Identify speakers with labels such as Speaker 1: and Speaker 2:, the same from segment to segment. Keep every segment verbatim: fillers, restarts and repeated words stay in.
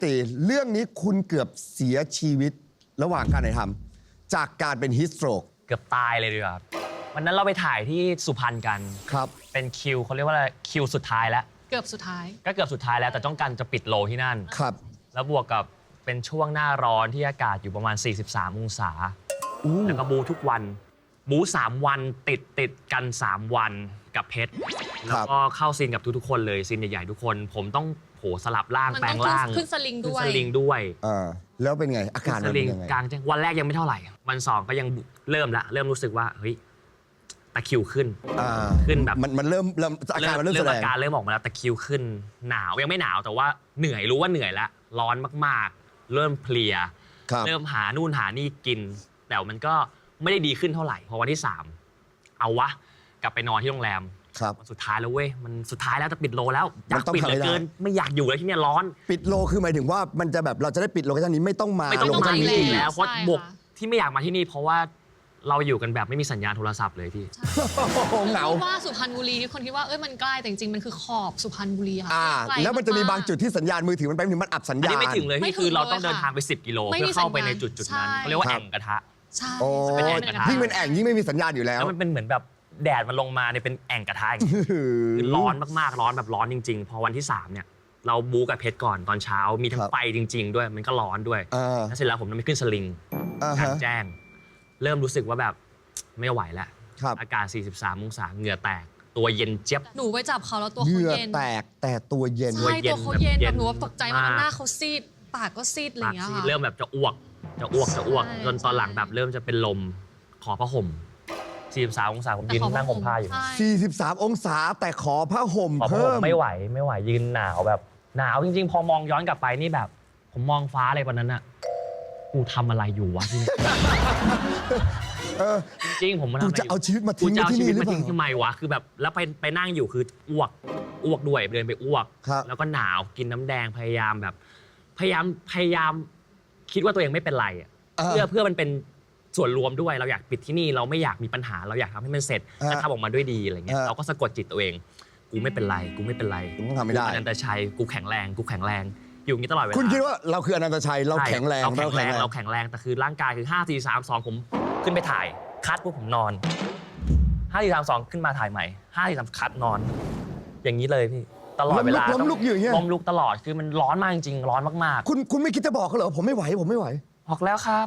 Speaker 1: ตีเรื่องนี้คุณเกือบเสียชีวิตระหว่างการถ่ายทำจากการเป็นฮิสโตรก
Speaker 2: เกือบตายเลยดีกว่าวันนั้นเราไปถ่ายที่สุพรรณกัน
Speaker 1: ครับ
Speaker 2: เป็นคิวเขาเรียกว่าอะไรคิวสุดท้ายแล้ว
Speaker 3: เกือบสุดท้าย
Speaker 2: ก็เกือบสุดท้ายแล้วแต่ต้องการจะปิดโลที่นั่น
Speaker 1: ครับ
Speaker 2: แล้วบวกกับเป็นช่วงหน้าร้อนที่อากาศอยู่ประมาณสี่สิบสามองศาแล้วก็บูทุกวันบูสามวันติดติดกันสามวันกับเพชรแล้วก็เข้าซีนกับทุกๆคนเลยซีนใหญ่ๆทุกคนผมต้องโหสลับร่างแปลงร่าง
Speaker 3: ขึ้นสลิงด้วย
Speaker 2: ขึ้นสลิงด้วย
Speaker 1: อ่าแล้วเป็นไงอาการมันเป็นยังไง
Speaker 2: กลางวันแรกยังไม่เท่าไหร่วันสองก็ยังเริ่มละเริ่มรู้สึกว่าเฮ้ยตะคิวขึ้นขึ้นแบบ
Speaker 1: มันมันเริ่มเริ่มอาการมันเริ่มแสดง
Speaker 2: อาการเริ่มออกมาแล้วตะคิวขึ้นหนาวยังไม่หนาวแต่ว่าเหนื่อยรู้ว่าเหนื่อยแล้วร้อนมากๆเริ่มเพลียเริ่มหานู่นหานี่กินแต่มันก็ไม่ได้ดีขึ้นเท่าไหร่พอวันที่สามเอาวะกลับไปนอนที่โรงแรมวันสุดท้ายแล้วเว้ยมันสุดท้ายแล้วจะปิดโลแล้วอยากปิดเหลือเกินไม่อยากอยู่แล้วที่นี่ร้อน
Speaker 1: ปิดโลคือหมายถึงว่ามันจะแบบเราจะได้ปิดโลเคชั่นนี้ไม่ต้องมา
Speaker 2: ไม่ต้องมาอีกแล้วเพราะบวกที่ไม่อยากมาที่นี่เพราะว่าเราอยู่กันแบบไม่มีสัญญาณโทรศัพท์เลยพี่
Speaker 1: เหงา
Speaker 3: ว่าสุพรรณบุรีที่คนคิดว่าเอ้ยมันใกล้แต่จริงๆมันคือขอบสุพรรณบุรีค่ะ
Speaker 1: แล้วมันจะมีบางจุดที่สัญญาณมือถือมันไปถึงมันอับสัญญาณอัน
Speaker 2: นี้ไม่ถึงเลยที่คือเราต้องเดินทางไปสิบกิโลเพื่อเข้าไปในจุดจุดนั้นเขาเรียกว่าแอ่งกระทะ
Speaker 3: ใช่
Speaker 1: ยิ่งเป็นแอ่งยิ่งไม่มีสัญญาณอยู่แล้ว
Speaker 2: แล้วมันเป็นเหมือนแบบแดดมันลงมาเนี่ยเป็นแอ่งกระทะคือร้อนมากๆร้อนแบบร้อนจริงๆพอวันที่สามเนี่ยเราบู๊กับเพชรก่อนตอนเช้ามีทั้งไฟจริงๆด้วยมันก็ร้อนด้วยแล้วเสร็จแล้วผมต้องไปขึ้นสลิงกลางแจ้งเริ่มรู้สึกว่าแบบไม่ไหวแล้วอากาศสี่สิบสามองศาเหงื่อแตกตัวเย็นเจี๊ยบ
Speaker 3: หนูไปจับเขาแล้วตัวเขาเย็น
Speaker 1: เหงื่อแตกแต่ตัวเย็น
Speaker 3: ใช่ตัวเขาเย็นแบบหนูตกใจมากหน้าเขาซีดปากก็ซีดอะไรอย่างเงี้ยค่ะ
Speaker 2: เริ่มแบบจะอ้วกจะอ้วกจะอ้วกจนตอนหลังแบบเริ่มจะเป็นลมขอผ้าห่มสี่สิบสามองศาผมยืนนั่งห่มผ้าอยู่
Speaker 1: สี่สิบสามองศาแต่ขอผ้าห่มเพิ่ม
Speaker 2: ไม่ไหวไม่ไหวยืนหนาวแบบหนาวจริงๆพอมองย้อนกลับไปนี่แบบผมมองฟ้าอะไรวันนั้นอะกูทำอะไรอยู่วะที่นี่จริงผม
Speaker 1: กูจะเอาชีวิตมาทิ้งที่นี่หรือเปล่า
Speaker 2: ทำไมวะคือแบบแล้วไปไปนั่งอยู่คืออ้วกอ้วกด้วยเดินไปอ้วกแล้วก็หนาวกินน้ำแดงพยายามแบบพยายามพยายามคิดว่าตัวเองไม่เป็นไรอ่ะเพื่อเพื่อมันเป็นส่วนรวมด้วยเราอยากปิดที่นี่เราไม่อยากมีปัญหาเราอยากทำให้มันเสร็จและทำออกมาด้วยดีอะไรเงี้ยเราก็สะกดจิตตัวเองกูไม่เป็นไรกูไม่เป็นไร
Speaker 1: กูต้องทำไม่ได้
Speaker 2: อนันตชัยกูแข็งแรงกูแข็งแรงอยู่อย่างนี้ตลอดเวลา
Speaker 1: คุณคิดว่าเราคืออนันตชัยเราแข็งแรง
Speaker 2: เราแข็งแรงเราแข็งแรงแต่คือร่างกายคือห้าสี่สามสองผมขึ้นไปถ่ายคัดพวกผมนอนห้าสี่สามสองขึ้นมาถ่ายใหม่ห้าสี่สามคัดนอนอย่างนี้เลยพี่ตลอดเวลา
Speaker 1: ล้มลุกอยู่อย่างเงี้ย
Speaker 2: ล้มลุกตลอดคือมันร้อนมากจริงร้อนมาก
Speaker 1: ๆคุณคุณไม่คิดจะบอกเขาเหรอผมไม่ไหวผมไม่ไหว
Speaker 2: บอกแล้วครับ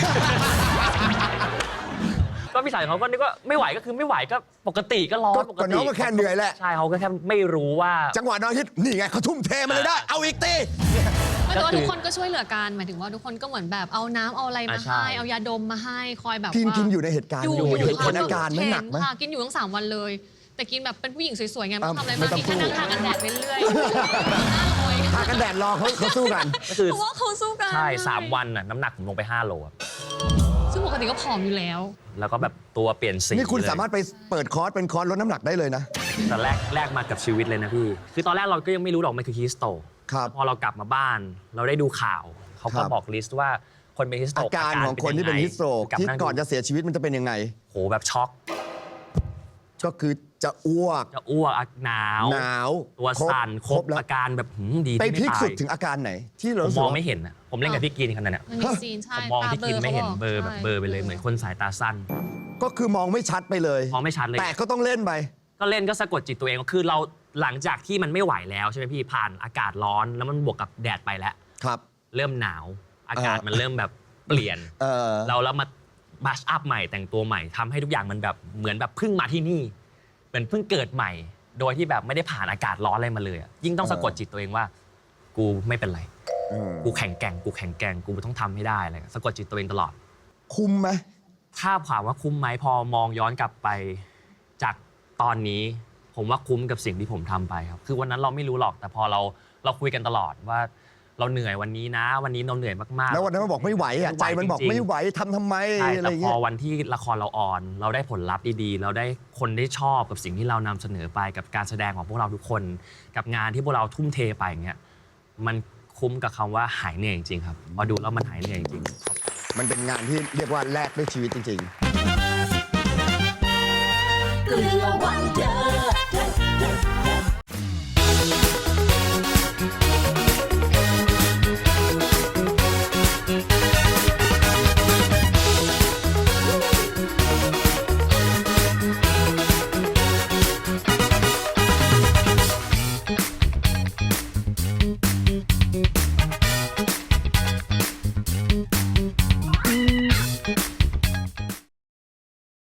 Speaker 2: ก็พี่สายเขาก็นึกว่าไม่ไหวก็คือไม่ไหวก็ปกติก็ร้อนปกติ
Speaker 1: น้องก็แค่เหนื่อยแหละ
Speaker 2: ใช่เขาก็แค่ไม่รู้ว่า
Speaker 1: จังหวะน้องคิดนี่ไงเขาทุ่มเทมาเลยได้เอาอีกตี
Speaker 3: แต่ว่าทุกคนก็ช่วยเหลือกันหมายถึงว่าทุกคนก็เหมือนแบบเอาน้ำเอาอะไรมาให้เอายาดมมาให้คอยแบบ
Speaker 1: กินกินอยู่ในเหตุการณ์
Speaker 3: อยู่
Speaker 1: อยู่คนอาการไม่หนักไหม
Speaker 3: กินอยู่ทั้งสามวันเลยแต่กินแบบเป็นผู้หญิงสวยๆไงไม่ทำอะไรมากมีแค่นั่งทากันแดดไปเรื่อย
Speaker 1: ทากันแดดรอเขาเขาสู้กัน
Speaker 2: ก็คือ
Speaker 3: เพราะว่าเขาสู้กัน
Speaker 2: ใช่สามวันน่ะน้ำหนักผมลงไปห้าโล
Speaker 3: ซึ่งปกติก็ผอมอยู่แล้ว
Speaker 2: แล้วก็แบบตัวเปลี่ยนสี
Speaker 1: นี่คุณสามารถไปเปิดคอร์สเป็นคอร์สลดน้ำหนักได้เลยนะ
Speaker 2: แต่แรกแรกมากับชีวิตเลยนะพี่คือตอนแรกเราก็ยังไม่รู้หรอกมันคือฮิสโตรกพอเรากลับมาบ้านเราได้ดูข่าวเขาก็บอกลิสต์ว่าคนเป็นฮิสโตรก
Speaker 1: อาการของคนที่เป็นฮิสโตรกที่ก่อนจะเสียชีวิตมันจะเป็นยังไง
Speaker 2: โหแบบช็อก
Speaker 1: ก็คือจะอ้วก
Speaker 2: จะอ้วกหนาว
Speaker 1: หนาว
Speaker 2: ตัวสั่นครบอาการแบบดี
Speaker 1: ไปพีคสุดถึงอาการไหนที่เรา
Speaker 2: มองไม่เห็นอ่ะผมเล่นกับพี่กินขนาดเนี้ยผมมองพี่กินไม่เห็นเบอร์แบบเบอร์ไปเลยเหมือนคนสายตาสั้น
Speaker 1: ก็คือมองไม่ชัดไปเลย
Speaker 2: มองไม่ชัดเลย
Speaker 1: แต่ก็ต้องเล่นไป
Speaker 2: ก็เล่นก็สะกดจิตตัวเองคือเราหลังจากที่มันไม่ไหวแล้วใช่ไหมพี่ผ่านอากาศร้อนแล้วมันบวกกับแดดไปแล้ว
Speaker 1: ครับ
Speaker 2: เริ่มหนาวอากาศมันเริ่มแบบเปลี่ยนเราแล้วมาบัชอัพใหม่แต่งตัวใหม่ทำให้ทุกอย่างมันแบบเหมือนแบบเพิ่งมาที่นี่เหมือนเพิ่งเกิดใหม่โดยที่แบบไม่ได้ผ่านอากาศร้อนอะไรมาเลยยิ่งต้องสะกดจิตตัวเองว่ากูไม่เป็นไรกูแข็งแกร่งกูแข็งแกร่งกูต้องทำให้ได้อะไรสะกดจิตตัวเองตลอด
Speaker 1: คุ้มไหม
Speaker 2: ถ้าถามว่าคุ้มไหมพอมองย้อนกลับไปจากตอนนี้ผมว่าคุ้มกับสิ่งที่ผมทำไปครับคือวันนั้นเราไม่รู้หรอกแต่พอเราเราคุยกันตลอดว่าเราเหนื่อยวันนี้นะวันนี้เราเหนื่อยมากๆ
Speaker 1: แล้ววันนั้นมันบอกไม่ไหวอ่ะใจมันบอกไม่ไหวทำทำไมอะไรอย่างเงี้ย
Speaker 2: แต่พอวันที่ละครเราออนเราได้ผลลัพธ์ดีๆเราได้คนได้ชอบกับสิ่งที่เรานำเสนอไปกับการแสดงของพวกเราทุกคนกับงานที่พวกเราทุ่มเทไปอย่างเงี้ยมันคุ้มกับคำว่าหายเหนื่อยจริงๆครับพอดูแล้วมันหายเหนื่อยจริง
Speaker 1: มันเป็นงานที่เรียกว่าแลกด้วยชีวิตจริงๆ